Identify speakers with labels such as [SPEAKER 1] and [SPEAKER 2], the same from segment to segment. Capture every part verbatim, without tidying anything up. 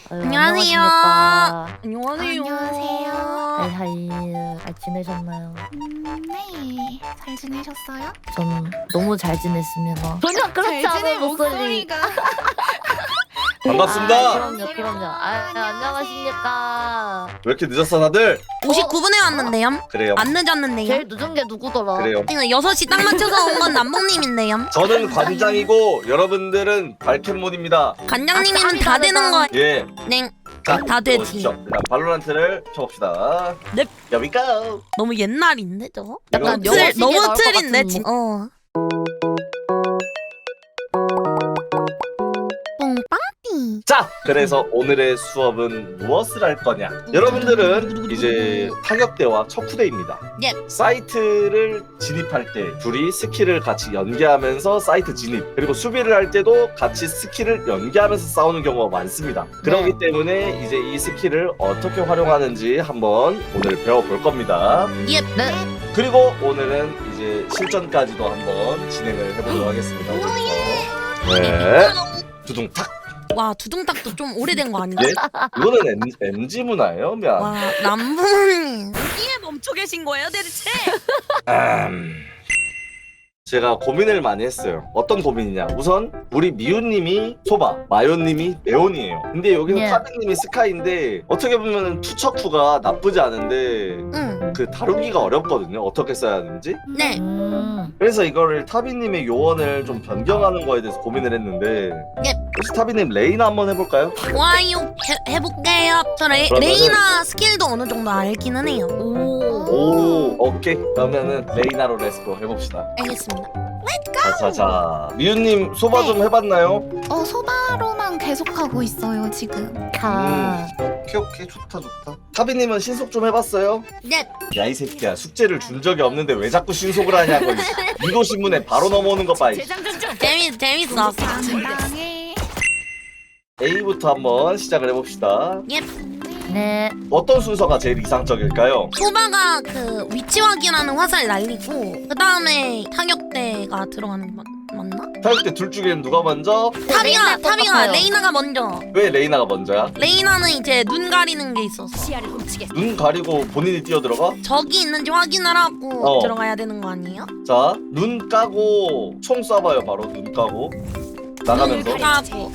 [SPEAKER 1] 아유,
[SPEAKER 2] 안녕하세요.
[SPEAKER 1] 안녕하십니까.
[SPEAKER 2] 안녕하세요.
[SPEAKER 3] 안녕하세요.
[SPEAKER 1] 하이 하이. 잘 지내셨나요?
[SPEAKER 3] 음, 네. 잘 지내셨어요?
[SPEAKER 1] 전 너무 잘 지냈습니다. 전혀 그렇지
[SPEAKER 3] 잘 지낼
[SPEAKER 1] 않은 목소리.
[SPEAKER 3] 목소리가.
[SPEAKER 4] 반갑습니다.
[SPEAKER 1] 아, 그럼요, 그럼요. 아,
[SPEAKER 3] 안녕하세요.
[SPEAKER 1] 안녕하십니까.
[SPEAKER 4] 왜 이렇게 늦었어 다들?
[SPEAKER 2] 오십구 분에 왔는데요.
[SPEAKER 4] 그래요.
[SPEAKER 2] 안 늦었는데요.
[SPEAKER 1] 제일 늦은 게 누구더라?
[SPEAKER 4] 그래요.
[SPEAKER 2] 여섯 시 딱 맞춰서 온 건 남봉님인데요.
[SPEAKER 4] 저는 관장이고 여러분들은 발켓몬입니다.
[SPEAKER 2] 관장님이면
[SPEAKER 1] 아,
[SPEAKER 2] 다
[SPEAKER 1] 다르다.
[SPEAKER 2] 되는 거.
[SPEAKER 4] 예.
[SPEAKER 2] 네.
[SPEAKER 4] 자,
[SPEAKER 2] 다 되지.
[SPEAKER 4] 보시죠. 일단 발로란트를 쳐봅시다.
[SPEAKER 2] 네.
[SPEAKER 4] Here we go.
[SPEAKER 2] 너무 옛날인데 저거?
[SPEAKER 1] 약간
[SPEAKER 4] 이거
[SPEAKER 1] 영어
[SPEAKER 2] 틀,
[SPEAKER 1] 시계
[SPEAKER 2] 너무
[SPEAKER 1] 나올 것
[SPEAKER 2] 틀인데
[SPEAKER 1] 같은
[SPEAKER 2] 진.
[SPEAKER 1] 뭐-
[SPEAKER 2] 어. 뽕빵띠.
[SPEAKER 4] 자, 그래서 오늘의 수업은 무엇을 할 거냐? 여러분들은 이제 타격대와 척후대입니다.
[SPEAKER 2] 예.
[SPEAKER 4] 사이트를 진입할 때 둘이 스킬을 같이 연계하면서 사이트 진입, 그리고 수비를 할 때도 같이 스킬을 연계하면서 싸우는 경우가 많습니다. 그렇기
[SPEAKER 1] 네.
[SPEAKER 4] 때문에 이제 이 스킬을 어떻게 활용하는지 한번 오늘 배워볼 겁니다.
[SPEAKER 2] 예.
[SPEAKER 1] 네.
[SPEAKER 4] 그리고 오늘은 이제 실전까지도 한번 진행을 해보도록 하겠습니다. 오늘부터. 네. 두둥탁.
[SPEAKER 2] 와 두둥탁도 좀 오래된 거 아닌가?
[SPEAKER 4] 예? 이거는 엠지 문화예요, 면.
[SPEAKER 2] 와 남봉님 어디에 멈춰 계신 거예요 대체?
[SPEAKER 4] 음... 제가 고민을 많이 했어요. 어떤 고민이냐? 우선 우리 미우님이 소바, 마요님이 네온이에요. 근데 여기서
[SPEAKER 1] 예.
[SPEAKER 4] 타백님이 스카이인데 어떻게 보면 투척후가 나쁘지 않은데
[SPEAKER 2] 응.
[SPEAKER 4] 그 다루기가 어렵거든요. 어떻게 써야 하는지.
[SPEAKER 2] 네.
[SPEAKER 1] 음.
[SPEAKER 4] 그래서 이거를 타비님의 요원을 좀 변경하는 거에 대해서 고민을 했는데
[SPEAKER 2] 예.
[SPEAKER 4] 혹시 타비님 레이나 한번 해볼까요?
[SPEAKER 2] 좋아요. 해, 해볼게요. 저 레,
[SPEAKER 4] 그러면은-
[SPEAKER 2] 레이나 스킬도 어느 정도 알기는 해요.
[SPEAKER 1] 오.
[SPEAKER 4] 오, 오케이. 그러면은 레이나로 레스코 해봅시다.
[SPEAKER 2] 알겠습니다.
[SPEAKER 4] 자자자. 미우님 소바 좀 해봤나요?
[SPEAKER 3] 어, 소바로만 계속하고 있어요, 지금.
[SPEAKER 1] 자.
[SPEAKER 4] 오케이 오케이 좋다 좋다. 타비님은 신속 좀 해봤어요?
[SPEAKER 2] 네.
[SPEAKER 4] 야 이 새끼야 숙제를 준 적이 없는데 왜 자꾸 신속을 하냐고. 유도 신문에 바로 넘어오는 거 봐. 이.
[SPEAKER 2] 재밌 재밌어.
[SPEAKER 3] 당당해.
[SPEAKER 4] A부터 한번 시작을 해봅시다.
[SPEAKER 2] 예.
[SPEAKER 1] 네.
[SPEAKER 4] 어떤 순서가 제일 이상적일까요?
[SPEAKER 2] 소바가 그 위치 확인하는 화살 날리고 그 다음에 타격대가 들어가는 거 맞, 맞나?
[SPEAKER 4] 타격대 둘 중에는 누가 먼저?
[SPEAKER 2] 타비가
[SPEAKER 1] 레이나
[SPEAKER 2] 타비가
[SPEAKER 1] 똑같아요.
[SPEAKER 2] 레이나가 먼저.
[SPEAKER 4] 왜 레이나가 먼저야?
[SPEAKER 2] 레이나는 이제 눈 가리는 게 있어서
[SPEAKER 4] 눈 가리고 본인이 뛰어 들어가?
[SPEAKER 2] 적이 있는지 확인을 하고
[SPEAKER 4] 어.
[SPEAKER 2] 들어가야 되는 거 아니에요?
[SPEAKER 4] 자, 눈 까고 총 쏴봐요. 바로 눈 까고 나가면서.
[SPEAKER 2] 눈 까고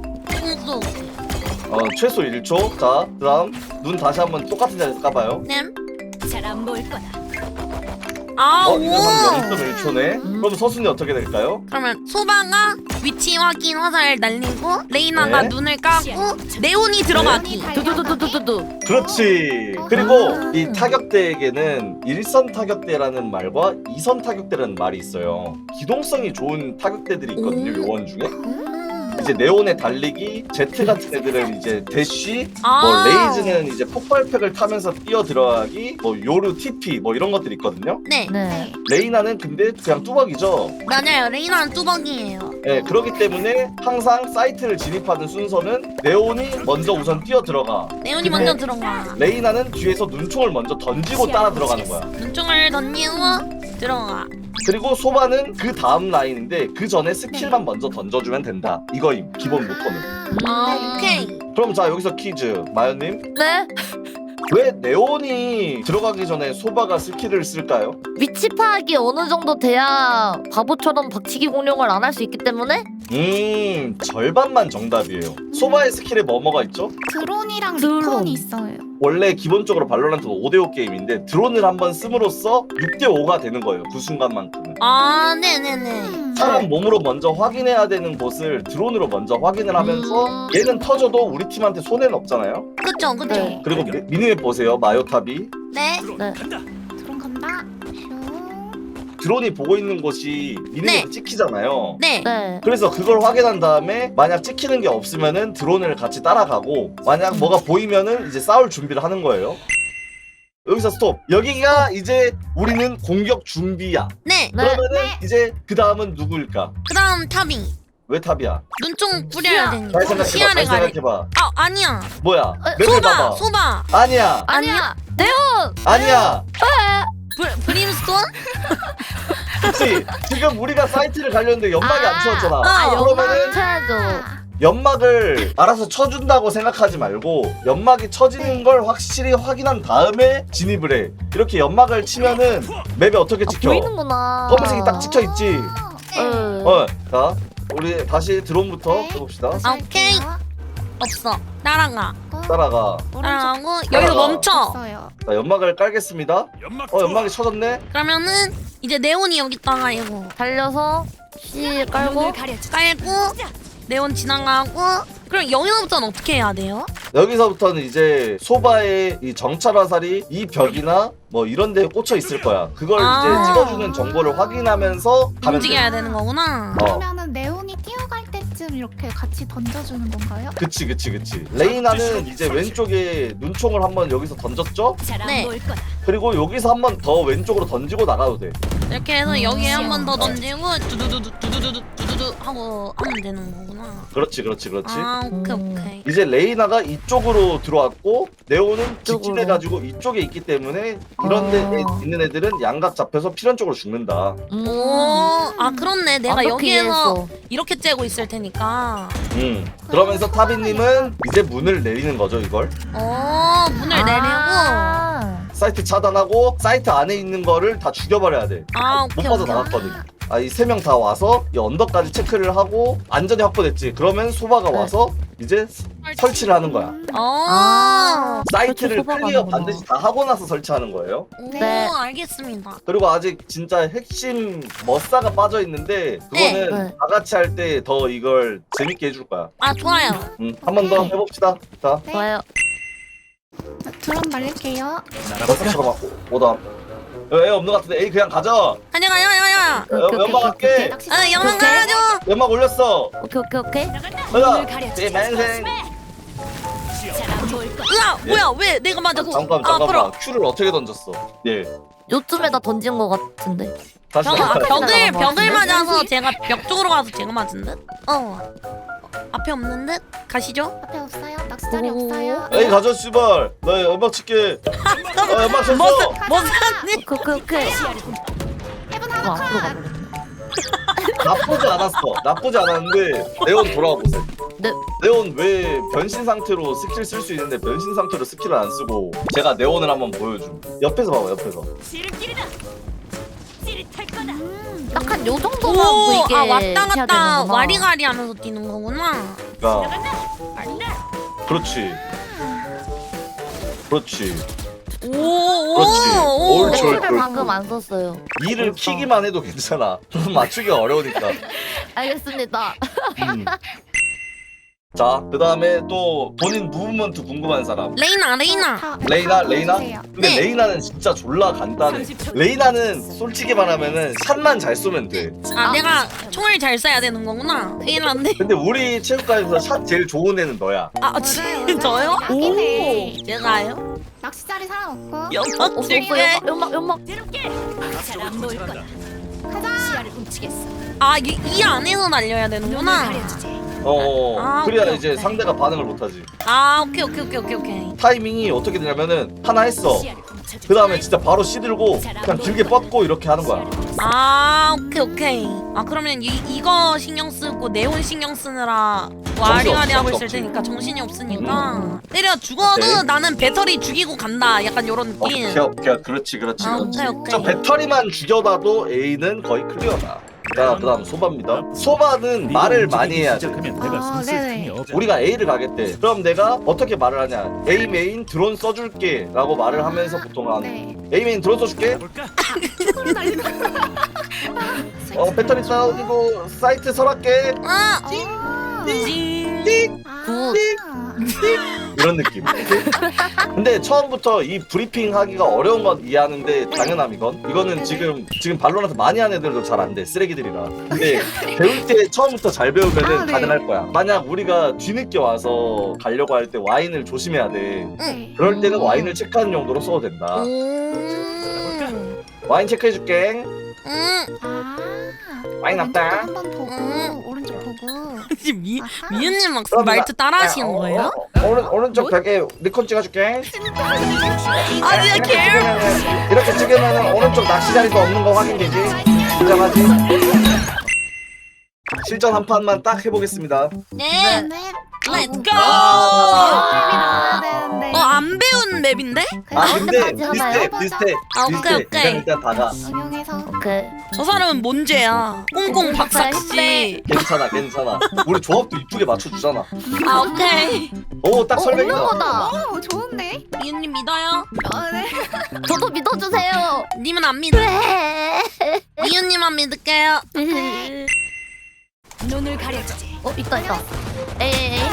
[SPEAKER 2] 총쏘.
[SPEAKER 4] 어, 최소 일 초. 자, 그다음 눈 다시 한번 똑같은 자리에서 까봐요.
[SPEAKER 2] nem.
[SPEAKER 5] 잘안 보일 거다.
[SPEAKER 2] 아
[SPEAKER 4] 어,
[SPEAKER 2] 오.
[SPEAKER 4] 이거 한 영 점 일 초네.
[SPEAKER 1] 음.
[SPEAKER 4] 그럼 서순이 어떻게 될까요?
[SPEAKER 2] 그러면 소바가 위치 확인 화살 날리고 레이나가
[SPEAKER 4] 네.
[SPEAKER 2] 눈을 까고 네온이 들어가기.
[SPEAKER 1] 두두두두두두.
[SPEAKER 4] 그렇지.
[SPEAKER 3] 어.
[SPEAKER 4] 그리고
[SPEAKER 2] 아.
[SPEAKER 4] 이 타격대에게는 일선 타격대라는 말과 이선 타격대라는 말이 있어요. 기동성이 좋은 타격대들이 있거든요.
[SPEAKER 2] 오.
[SPEAKER 4] 요원 중에.
[SPEAKER 3] 음.
[SPEAKER 4] 이제 네온의 달리기, 제트 같은 애들은 이제 대쉬,
[SPEAKER 2] 아.
[SPEAKER 4] 뭐 레이즈는 이제 폭발팩을 타면서 뛰어 들어가기, 뭐 요루 티피 뭐 이런 것들이 있거든요.
[SPEAKER 2] 네.
[SPEAKER 1] 네.
[SPEAKER 4] 레이나는 근데 그냥 뚜벅이죠.
[SPEAKER 2] 맞아요. 레이나는 뚜벅이에요.
[SPEAKER 4] 예, 그렇기 때문에 항상 사이트를 진입하는 순서는 네온이 먼저 우선 뛰어 들어가.
[SPEAKER 2] 네온이
[SPEAKER 4] 근데
[SPEAKER 2] 먼저 들어가.
[SPEAKER 4] 레이나는 뒤에서 눈총을 먼저 던지고 따라 들어가는 거야.
[SPEAKER 2] 눈총을 던지고 들어가.
[SPEAKER 4] 그리고 소바는 그 다음 라인인데 그 전에 스킬만 먼저 던져주면 된다. 이거임 기본 모토는.
[SPEAKER 2] 아 오케이.
[SPEAKER 4] 그럼 자 여기서 퀴즈 마연님,
[SPEAKER 1] 네.
[SPEAKER 4] 왜 네온이 들어가기 전에 소바가 스킬을 쓸까요?
[SPEAKER 1] 위치 파악이 어느 정도 돼야 바보처럼 박치기 공룡을 안 할 수 있기 때문에?
[SPEAKER 4] 음 절반만 정답이에요. 소바의 스킬에 뭐뭐가 있죠?
[SPEAKER 3] 드론이랑
[SPEAKER 1] 드론.
[SPEAKER 3] 리콘이 있어요.
[SPEAKER 4] 원래 기본적으로 발로란트는 오 대 오 게임인데 드론을 한번 씀으로써 육 대 오가 되는 거예요. 그 순간만큼은.
[SPEAKER 2] 아 네네네.
[SPEAKER 3] 음.
[SPEAKER 4] 사람 몸으로 먼저 확인해야 되는 곳을 드론으로 먼저 확인을 하면서
[SPEAKER 1] 음.
[SPEAKER 4] 얘는 터져도 우리 팀한테 손해는 없잖아요.
[SPEAKER 2] 그쵸 그쵸.
[SPEAKER 1] 네.
[SPEAKER 4] 그리고 미- 미니맵 보세요. 마요탑이
[SPEAKER 2] 네.
[SPEAKER 1] 네.
[SPEAKER 3] 드론 간다. 슝.
[SPEAKER 4] 드론이 보고 있는 곳이 미니맵
[SPEAKER 2] 네.
[SPEAKER 4] 찍히잖아요.
[SPEAKER 2] 네.
[SPEAKER 1] 네.
[SPEAKER 4] 그래서 그걸 확인한 다음에 만약 찍히는 게 없으면은 드론을 같이 따라가고 만약 뭐가 보이면은 이제 싸울 준비를 하는 거예요. 여기서 스톱. 여기가 이제 우리는 공격 준비야.
[SPEAKER 2] 네.
[SPEAKER 1] 네.
[SPEAKER 4] 그러면은 이제 그 다음은 누구일까?
[SPEAKER 2] 그다음 타비.
[SPEAKER 4] 왜 탑이야?
[SPEAKER 2] 눈총 뿌려야
[SPEAKER 4] 잘
[SPEAKER 2] 되니까.
[SPEAKER 4] 생각해봐.
[SPEAKER 2] 시야를
[SPEAKER 4] 잘
[SPEAKER 2] 가리.
[SPEAKER 4] 생각해봐.
[SPEAKER 2] 아 아니야.
[SPEAKER 4] 뭐야? 맵을
[SPEAKER 2] 소바
[SPEAKER 4] 봐봐.
[SPEAKER 2] 소바.
[SPEAKER 4] 아니야.
[SPEAKER 1] 아니야. 네온.
[SPEAKER 4] 아니야.
[SPEAKER 2] 브, 브림스톤?
[SPEAKER 4] 그치? 지금 우리가 사이트를 가려는데 연막이 안
[SPEAKER 3] 아.
[SPEAKER 4] 치웠잖아.
[SPEAKER 2] 아,
[SPEAKER 4] 그러면은
[SPEAKER 1] 쳐야죠.
[SPEAKER 4] 연막을 알아서 쳐준다고 생각하지 말고 연막이 쳐지는 걸 확실히 확인한 다음에 진입을 해. 이렇게 연막을 치면은 맵에 어떻게
[SPEAKER 1] 아,
[SPEAKER 4] 찍혀?
[SPEAKER 1] 보이는구나.
[SPEAKER 4] 검은색이 딱 찍혀 있지.
[SPEAKER 1] 응.
[SPEAKER 4] 어, 자 우리 다시 드론부터
[SPEAKER 3] 네.
[SPEAKER 4] 해봅시다.
[SPEAKER 2] 아, 오케이. 없어. 따라가.
[SPEAKER 4] 따라가.
[SPEAKER 2] 따라가고 여기서
[SPEAKER 4] 따라가.
[SPEAKER 2] 멈춰.
[SPEAKER 3] 없어요.
[SPEAKER 4] 자 연막을 깔겠습니다. 어 연막이 쳐졌네.
[SPEAKER 2] 그러면은 이제 네온이 여기다가 이거
[SPEAKER 1] 달려서 C 깔고
[SPEAKER 2] 깔고 네온 지나가고 그럼 여기서부터는 어떻게 해야 돼요?
[SPEAKER 4] 여기서부터는 이제 소바의 이 정찰 화살이 이 벽이나 뭐 이런 데에 꽂혀 있을 거야. 그걸
[SPEAKER 2] 아.
[SPEAKER 4] 이제 찍어주는 정보를 확인하면서 가면 돼.
[SPEAKER 2] 움직여야 되는 거구나.
[SPEAKER 4] 어.
[SPEAKER 3] 그러면은 네온이 뛰어갈 때쯤 이렇게 같이 던져주는 건가요?
[SPEAKER 4] 그치 그치 그치. 레이나는 이제 왼쪽에 눈총을 한번 여기서 던졌죠?
[SPEAKER 2] 네.
[SPEAKER 4] 그리고 여기서 한번 더 왼쪽으로 던지고 나가도 돼.
[SPEAKER 2] 이렇게 해서 여기에 한 번 더 던지고 두두두두 두두두두 두두두 하고 하면 되는 거구나.
[SPEAKER 4] 그렇지 그렇지 그렇지.
[SPEAKER 2] 아 오케이
[SPEAKER 1] 음.
[SPEAKER 2] 오케이.
[SPEAKER 4] 이제 레이나가 이쪽으로 들어왔고 네오는
[SPEAKER 1] 이쪽으로.
[SPEAKER 4] 직진해가지고 이쪽에 있기 때문에 이런 데
[SPEAKER 1] 아.
[SPEAKER 4] 있는 애들은 양각 잡혀서 필연적으로 죽는다.
[SPEAKER 1] 음.
[SPEAKER 2] 오, 아 그렇네. 내가
[SPEAKER 1] 어떻게
[SPEAKER 2] 여기에서
[SPEAKER 1] 이해했어?
[SPEAKER 2] 이렇게 째고 있을 테니까.
[SPEAKER 4] 음. 그러면서 타비님은 이제 문을 내리는 거죠 이걸.
[SPEAKER 2] 어, 문을 내리고.
[SPEAKER 1] 아.
[SPEAKER 4] 사이트 차단하고 사이트 안에 있는 거를 다 죽여버려야 돼.
[SPEAKER 2] 아
[SPEAKER 4] 못
[SPEAKER 2] 오케이
[SPEAKER 4] 빠져
[SPEAKER 2] 오케이.
[SPEAKER 4] 나갔거든. 아 이 세 명 다 와서 이 언덕까지 체크를 하고 안전이 확보됐지. 그러면 소바가
[SPEAKER 1] 네.
[SPEAKER 4] 와서 이제 설치를 하는 거야.
[SPEAKER 2] 어.
[SPEAKER 1] 아.
[SPEAKER 4] 사이트를
[SPEAKER 1] 설치 소바가
[SPEAKER 4] 클리어
[SPEAKER 1] 하는구나.
[SPEAKER 4] 반드시 다 하고 나서 설치하는 거예요.
[SPEAKER 2] 오,
[SPEAKER 1] 네.
[SPEAKER 2] 알겠습니다.
[SPEAKER 4] 그리고 아직 진짜 핵심 머싸가 빠져 있는데 그거는
[SPEAKER 1] 네. 네.
[SPEAKER 4] 다 같이 할 때 더 이걸 재밌게 해줄 거야.
[SPEAKER 2] 아 좋아요.
[SPEAKER 4] 음, 한 번 더 해봅시다. 자,
[SPEAKER 3] 네.
[SPEAKER 1] 좋아요.
[SPEAKER 3] 자, 드론 날릴게요.
[SPEAKER 4] 머싸처럼 하고 오다. 애 없는 것 같은데 에이 그냥 가자.
[SPEAKER 2] 가자 가자 가자.
[SPEAKER 1] 오케이,
[SPEAKER 4] 연-
[SPEAKER 1] 오케이,
[SPEAKER 4] 연막
[SPEAKER 1] 오케이,
[SPEAKER 4] 할게.
[SPEAKER 3] 낚시
[SPEAKER 2] 아 영상
[SPEAKER 1] 오케이.
[SPEAKER 2] 가야죠.
[SPEAKER 4] 연막 올렸어.
[SPEAKER 1] 오케이 오케이 오케이.
[SPEAKER 4] 가자. 제 맹생.
[SPEAKER 2] 으아 뭐야 왜 내가 맞았어?
[SPEAKER 4] 잠깐
[SPEAKER 2] 아,
[SPEAKER 4] 잠깐만.
[SPEAKER 2] 풀어.
[SPEAKER 4] 큐를 어떻게 던졌어? 예.
[SPEAKER 1] 요쯤에다 던진 거 같은데.
[SPEAKER 4] 다시
[SPEAKER 2] 벽, 아,
[SPEAKER 4] 한번
[SPEAKER 2] 벽을
[SPEAKER 1] 나가는 거
[SPEAKER 2] 벽을
[SPEAKER 1] 같은데?
[SPEAKER 2] 맞아서 제가 벽 쪽으로 가서 제가 맞은 듯? 어. 어, 앞에 없는 듯? 가시죠?
[SPEAKER 3] 앞에 없어요? 낚시자리
[SPEAKER 1] 오.
[SPEAKER 3] 없어요?
[SPEAKER 4] 에이 가자 씨발. 나 연막 칠게. 어, 연막 쳤어.
[SPEAKER 2] 뭐 사니?
[SPEAKER 1] 오케이 오케이 오케이.
[SPEAKER 3] 해븐
[SPEAKER 1] 어,
[SPEAKER 3] 하나
[SPEAKER 1] 앞으로
[SPEAKER 3] 컷!
[SPEAKER 1] 가버렸네.
[SPEAKER 4] 나쁘지 않았어. 나쁘지 않았는데 네온 돌아와 보세요.
[SPEAKER 1] 네.
[SPEAKER 4] 네온 왜 변신 상태로 스킬 쓸 수 있는데 변신 상태로 스킬을 안 쓰고 제가 네온을 한번 보여줌. 옆에서 봐봐 옆에서.
[SPEAKER 1] 딱 한 요 정도만
[SPEAKER 2] 오,
[SPEAKER 1] 보이게
[SPEAKER 2] 아 왔다
[SPEAKER 1] 해야
[SPEAKER 2] 갔다
[SPEAKER 1] 되는구나.
[SPEAKER 2] 와리가리 하면서 뛰는 거구나.
[SPEAKER 4] 그러니까 그렇지. 그렇지.
[SPEAKER 2] 오, 오,
[SPEAKER 4] 그렇지.
[SPEAKER 2] 오.
[SPEAKER 4] 옳지, 옳지.
[SPEAKER 1] 를 방금 안 썼어요.
[SPEAKER 4] 이를 키기만 해도 괜찮아. 맞추기 어려우니까.
[SPEAKER 1] 알겠습니다.
[SPEAKER 4] 음. 자, 그 다음에 또 본인 무브먼트 궁금한 사람.
[SPEAKER 2] 레이나, 레이나.
[SPEAKER 3] 다-
[SPEAKER 4] 레이나,
[SPEAKER 3] 다
[SPEAKER 4] 레이나?
[SPEAKER 3] 보여주세요.
[SPEAKER 4] 근데
[SPEAKER 2] 네.
[SPEAKER 4] 레이나는 진짜 졸라 간단해. 레이나는 솔직히 말하면은 샷만 잘 쏘면 돼.
[SPEAKER 2] 아, 내가 총을 잘 쏴야 되는 거구나. 큰일 났네.
[SPEAKER 4] 근데 우리 체육관에서 샷 제일 좋은 애는 너야.
[SPEAKER 2] 아,
[SPEAKER 3] 맞아요,
[SPEAKER 2] 진짜요?
[SPEAKER 3] 맞아요.
[SPEAKER 2] 오,
[SPEAKER 3] 네.
[SPEAKER 2] 제가요?
[SPEAKER 3] 낚시자리 사람 없고
[SPEAKER 2] 연막
[SPEAKER 1] 없어
[SPEAKER 2] 줄게.
[SPEAKER 1] 연막 연막.
[SPEAKER 3] 가자!
[SPEAKER 2] 아, 이, 이 안에서 날려야 되는구나.
[SPEAKER 4] 어,
[SPEAKER 2] 아,
[SPEAKER 4] 그래야
[SPEAKER 2] 오케이,
[SPEAKER 4] 이제
[SPEAKER 2] 오케이.
[SPEAKER 4] 상대가 반응을 못하지.
[SPEAKER 2] 아, 오케이, 오케이, 오케이, 오케이, 오케이.
[SPEAKER 4] 타이밍이 어떻게 되냐면은 하나 했어. 그 다음에 진짜 바로 씨들고 그냥 길게 뻗고 이렇게 하는 거야.
[SPEAKER 2] 아, 오케이, 오케이. 아, 그러면 이, 이거 신경 쓰고 네온 신경 쓰느라 와리가리 하고 있을
[SPEAKER 4] 없지.
[SPEAKER 2] 테니까 정신이 없으니까 때려 죽어도
[SPEAKER 4] 오케이.
[SPEAKER 2] 나는 배터리 죽이고 간다. 약간 요런 느낌.
[SPEAKER 4] 오케이, 오케이, 그렇지, 그렇지,
[SPEAKER 2] 아,
[SPEAKER 4] 그렇지.
[SPEAKER 2] 오케이, 오케이.
[SPEAKER 4] 저 배터리만 죽여놔도 A는 거의 클리어다. 자, 그다음 소바입니다. 소바는 말을 많이 해야 돼.
[SPEAKER 3] 아, 네네.
[SPEAKER 4] 우리가 A를 가겠대. 그럼 내가 어떻게 말을 하냐? A 메인 드론 써줄게라고 말을 하면서 보통 하는.
[SPEAKER 3] 네.
[SPEAKER 4] A 메인 드론 써줄게. 어 배터리 싸우고 사이트 설할게.
[SPEAKER 2] 아,
[SPEAKER 3] 아,
[SPEAKER 2] 징.
[SPEAKER 3] 아,
[SPEAKER 4] 이런 느낌. 근데 처음부터 이 브리핑 하기가 어려운 건 이해하는데 당연함이건. 이거는 지금 지금 발로란트 많이 하는 애들도 잘 안 돼. 쓰레기들이라. 근데 배울 때 처음부터 잘 배우면은
[SPEAKER 3] 아, 네.
[SPEAKER 4] 가능할 거야. 만약 우리가 뒤늦게 와서 가려고 할 때 와인을 조심해야 돼.
[SPEAKER 3] 네.
[SPEAKER 4] 그럴 때는
[SPEAKER 1] 음.
[SPEAKER 4] 와인을 체크하는 용도로 써도 된다.
[SPEAKER 2] 음.
[SPEAKER 4] 와인 체크해줄게.
[SPEAKER 2] 음.
[SPEAKER 3] 아,
[SPEAKER 4] 많이 났다.
[SPEAKER 3] 한번 보고
[SPEAKER 2] 음.
[SPEAKER 3] 오른쪽 보고.
[SPEAKER 2] 지금 미
[SPEAKER 3] 아하.
[SPEAKER 2] 미은님 막
[SPEAKER 4] 그럼
[SPEAKER 2] 말투 따라 하시는
[SPEAKER 4] 어,
[SPEAKER 2] 거예요?
[SPEAKER 4] 어, 어, 오른 오른쪽 벽에 리콘 찍어줄게.
[SPEAKER 2] 아, 진짜
[SPEAKER 4] 이렇게
[SPEAKER 2] 개.
[SPEAKER 4] 찍으면은 이렇게 찍으면은 오른쪽 낚시 자리도 없는 거 확인되지. 인정하지? 실전 한 판만 딱 해보겠습니다.
[SPEAKER 2] 네.
[SPEAKER 3] 네.
[SPEAKER 2] 렛츠 고!
[SPEAKER 3] 아, 네, 네.
[SPEAKER 2] 어, 안 배운 맵인데?
[SPEAKER 4] 아 근데
[SPEAKER 1] 언제까지 하나요?
[SPEAKER 4] 비슷해 비슷해
[SPEAKER 2] 아, 오케이,
[SPEAKER 4] 비슷해.
[SPEAKER 2] 오케이.
[SPEAKER 4] 일단 일단 다가.
[SPEAKER 3] 응용해서.
[SPEAKER 1] 오케이.
[SPEAKER 2] 저 사람은 뭔 죄야? 꽁꽁 박사씨.
[SPEAKER 4] 괜찮아 괜찮아. 우리 조합도 이쁘게 맞춰주잖아.
[SPEAKER 2] 아, 오케이.
[SPEAKER 4] 오딱
[SPEAKER 1] 어,
[SPEAKER 4] 설명이다.
[SPEAKER 1] 없는 거다.
[SPEAKER 3] 오, 좋은데?
[SPEAKER 2] 이은님 믿어요?
[SPEAKER 3] 아, 네.
[SPEAKER 1] 저도 믿어주세요.
[SPEAKER 2] 님은 안 믿어.
[SPEAKER 1] 네.
[SPEAKER 2] 이은님만 믿을게요.
[SPEAKER 5] 눈을 가려주지.
[SPEAKER 1] 어 있다 있다. 에이 에이 에이.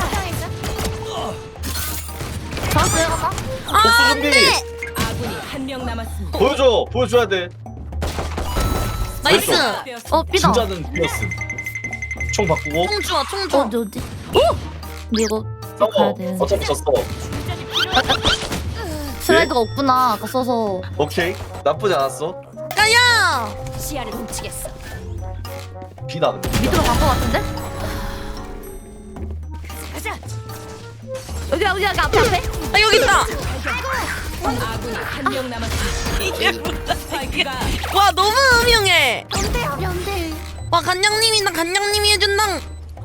[SPEAKER 1] 잡았어요 아까?
[SPEAKER 2] 아,
[SPEAKER 4] 복수
[SPEAKER 2] 안
[SPEAKER 4] 준비.
[SPEAKER 2] 돼!
[SPEAKER 5] 아군이 한 명 남았습니다.
[SPEAKER 4] 보여줘 보여줘야 돼.
[SPEAKER 2] 나이스!
[SPEAKER 1] 어 삐다.
[SPEAKER 4] 진짜는 비었음. 총 바꾸고
[SPEAKER 2] 총 주워, 총
[SPEAKER 1] 어
[SPEAKER 2] 주워.
[SPEAKER 1] 어디 어디? 어? 근데 이거 가야
[SPEAKER 4] 싸워.
[SPEAKER 1] 돼.
[SPEAKER 4] 어차피 졌어.
[SPEAKER 1] 슬라이드가 없구나 아까 써서.
[SPEAKER 4] 오케이 나쁘지 않았어.
[SPEAKER 2] 야야!
[SPEAKER 5] 시야를 훔치겠어.
[SPEAKER 4] 비다 근데.
[SPEAKER 1] 밑으로 간 거 같은데?
[SPEAKER 5] 가자.
[SPEAKER 1] 여기 여기 여기 앞에 앞에.
[SPEAKER 2] 아, 여기 있다!
[SPEAKER 5] 아군이 한 명 남았습니다.
[SPEAKER 2] 이게 뭐야,
[SPEAKER 5] 스파이크가
[SPEAKER 2] 와, 너무 음흉해!
[SPEAKER 3] 연대야, 연대.
[SPEAKER 2] 와, 간장님이다, 간장님이 해준당!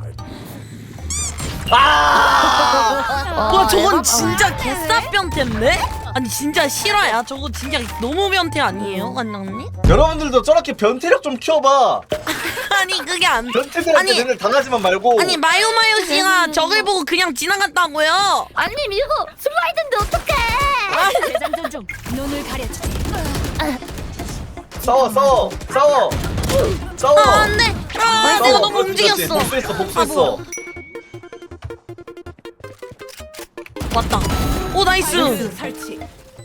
[SPEAKER 4] 아!
[SPEAKER 2] 와, 저건
[SPEAKER 1] 아,
[SPEAKER 2] 진짜 개쌉 변태인데? 아니, 진짜 실화야. 저거 진짜 너무 변태 아니에요, 간장님?
[SPEAKER 4] 여러분들도 저렇게 변태력 좀 키워봐.
[SPEAKER 2] 아니, 그게 안 돼.
[SPEAKER 4] 변태들한테
[SPEAKER 2] 아니,
[SPEAKER 4] 맨날 당하지만 말고.
[SPEAKER 2] 아니, 마요마요 씨가 적을 보고 그냥 지나갔다고요?
[SPEAKER 1] 아니 이거 슬라이드인데 어떡해?
[SPEAKER 5] 재장전 중. 눈을 가려주지.
[SPEAKER 4] 싸워 싸워 싸워 싸워.
[SPEAKER 2] 아, 안 돼! 아,
[SPEAKER 4] 싸워.
[SPEAKER 2] 내가 너무
[SPEAKER 4] 그렇지, 그렇지.
[SPEAKER 2] 움직였어.
[SPEAKER 4] 복수했어
[SPEAKER 2] 아,
[SPEAKER 4] 복수했어.
[SPEAKER 2] 뭐야. 왔다. 오, 나이스!
[SPEAKER 5] 스 설치.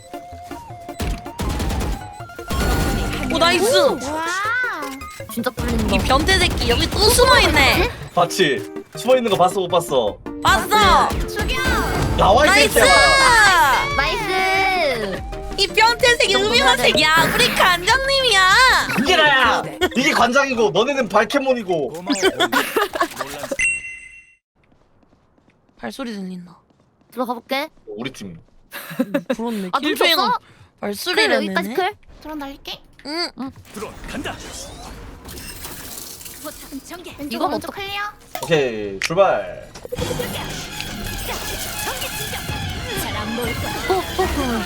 [SPEAKER 2] 오, 나이스!
[SPEAKER 3] 와.
[SPEAKER 1] 진짜 뚫린다.
[SPEAKER 2] 이 변태 새끼 여기 또 숨어있네!
[SPEAKER 4] 봤지? 숨어 있는 거 봤어 못 봤어?
[SPEAKER 2] 봤어!
[SPEAKER 3] 죽여.
[SPEAKER 4] 나와 이
[SPEAKER 2] 나이스!
[SPEAKER 4] 새끼야.
[SPEAKER 1] 나이스.
[SPEAKER 2] 이 변태 새끼 음흉한 새끼! 야, 우리 간장님이야!
[SPEAKER 4] 이게 나야. 이게 관장이고 너네는 발캐몬이고.
[SPEAKER 2] 발소리 들린다.
[SPEAKER 1] 들어가 볼게.
[SPEAKER 4] 우리 팀.
[SPEAKER 2] 그렇네.
[SPEAKER 1] 아
[SPEAKER 2] 킬조이가
[SPEAKER 1] нул쳤어?
[SPEAKER 2] 발소리를
[SPEAKER 1] 클 여기까지
[SPEAKER 2] 내네.
[SPEAKER 1] 클.
[SPEAKER 3] 드론 날릴게.
[SPEAKER 2] 응.
[SPEAKER 5] 포탑은 전개.
[SPEAKER 3] 왼쪽
[SPEAKER 1] 이건
[SPEAKER 3] 오른쪽
[SPEAKER 1] 어떡-
[SPEAKER 3] 클리어.
[SPEAKER 4] 오케이 출발.
[SPEAKER 5] 잘안 보일 거야.
[SPEAKER 1] 뽀뽀.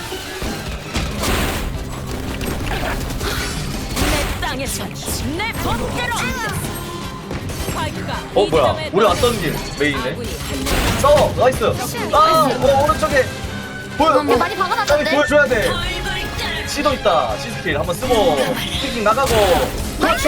[SPEAKER 5] 내 땅에서 내 법대로. 스파이크가
[SPEAKER 4] 어
[SPEAKER 5] 이
[SPEAKER 4] 뭐야?
[SPEAKER 5] 지점에
[SPEAKER 4] 우리 왔던 길 메인이네.
[SPEAKER 5] 아군이 한 명.
[SPEAKER 4] 싸워 나이스. 아 어, 오른쪽에 보여.
[SPEAKER 1] 이거 많이
[SPEAKER 4] 빨리
[SPEAKER 1] 박아놨는데.
[SPEAKER 4] 보여줘야 돼. C도 있다. C 스킬 한번 쓰고 킥 나가고. 그렇지.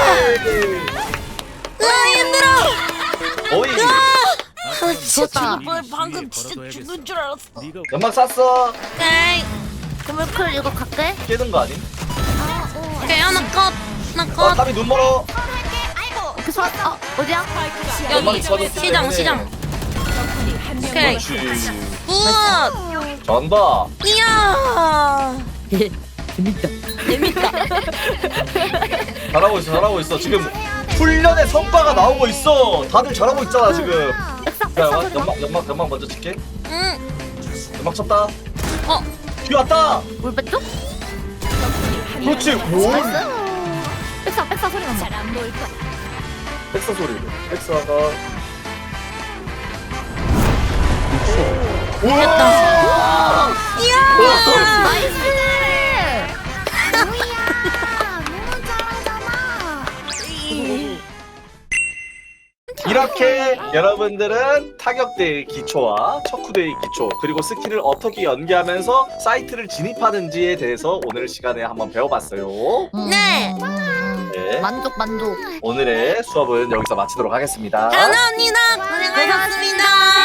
[SPEAKER 2] 으아, 힘들어!
[SPEAKER 4] 어이.
[SPEAKER 2] 아, 진짜
[SPEAKER 1] 좋다.
[SPEAKER 2] 죽을 뻔. 방금 진짜 죽는 줄 알았어.
[SPEAKER 4] 연막 쐈어.
[SPEAKER 2] 오케이.
[SPEAKER 1] 그러면 클 이거 갈게.
[SPEAKER 4] 깨는 거 아니?
[SPEAKER 3] 아, 오.
[SPEAKER 2] 오케이, 하나 컷. 하나
[SPEAKER 4] 어
[SPEAKER 2] 컷.
[SPEAKER 4] 탑이 눈 멀어.
[SPEAKER 3] 할게. 아이고.
[SPEAKER 1] 그 서, 어 어디야?
[SPEAKER 5] 스파이크가
[SPEAKER 2] 여기.
[SPEAKER 5] 이 지점에
[SPEAKER 2] 시장, 시장.
[SPEAKER 5] 적군이 한 명.
[SPEAKER 2] 오케이.
[SPEAKER 4] 그렇지.
[SPEAKER 2] 굿!
[SPEAKER 4] 전다.
[SPEAKER 2] 이야!
[SPEAKER 1] 재밌다.
[SPEAKER 2] 재밌다.
[SPEAKER 4] 잘하고 있어 잘하고 있어 지금 훈련의 성과가 나오고 있어. 다들 잘하고 있잖아 지금.
[SPEAKER 1] 백사
[SPEAKER 4] 야
[SPEAKER 1] 백사
[SPEAKER 4] 연막
[SPEAKER 1] 소리 나.
[SPEAKER 4] 연막 연막, 연막 먼저 칠게.
[SPEAKER 2] 응.
[SPEAKER 4] 연막 쳤다.
[SPEAKER 2] 어,
[SPEAKER 4] 뒤 왔다.
[SPEAKER 1] 물 뺐죠?
[SPEAKER 4] 그렇지. 오.
[SPEAKER 1] 나이스. 백사 백사 소리 난다.
[SPEAKER 5] 잘안 보일 거야.
[SPEAKER 4] 백사 소리. 백사가. 우와.
[SPEAKER 2] 이야!
[SPEAKER 1] 나이스.
[SPEAKER 3] 뭐야. 너무 잘하잖아.
[SPEAKER 4] 이렇게 여러분들은 타격대의 기초와 척후대의 기초 그리고 스킬을 어떻게 연계하면서 사이트를 진입하는지에 대해서 오늘 시간에 한번 배워봤어요.
[SPEAKER 1] 음.
[SPEAKER 2] 네.
[SPEAKER 4] 네.
[SPEAKER 1] 만족 만족.
[SPEAKER 4] 오늘의 수업은 여기서 마치도록 하겠습니다.
[SPEAKER 2] 감사합니다. 고생하셨습니다.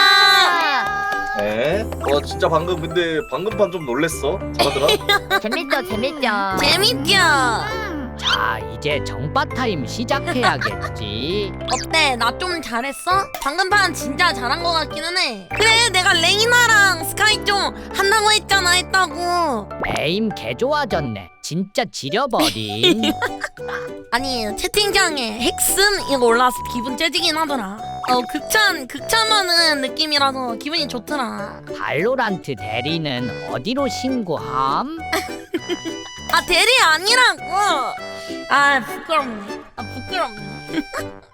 [SPEAKER 4] 네. 어 진짜 방금 근데 방금 판 좀 놀랬어. 잘하더라.
[SPEAKER 1] 재밌죠 재밌죠.
[SPEAKER 2] 재밌죠?
[SPEAKER 6] 자, 이제 정바 타임 시작해야겠지.
[SPEAKER 2] 어때? 나 좀 잘했어? 방금 판 진짜 잘한 것 같기는 해. 그래, 내가 레이나랑 스카이 좀 한다고 했잖아, 했다고.
[SPEAKER 6] 에임 개 좋아졌네. 진짜 지려버린.
[SPEAKER 2] 아니, 채팅창에 핵슨 이거 올라와서 기분 째지긴 하더라. 어, 극찬, 극찬하는 느낌이라서 기분이 좋더라.
[SPEAKER 6] 발로란트 대리는 어디로 신고함?
[SPEAKER 2] 아, 대리 아니라고. 아, 부끄럽네. 아, 부끄럽네.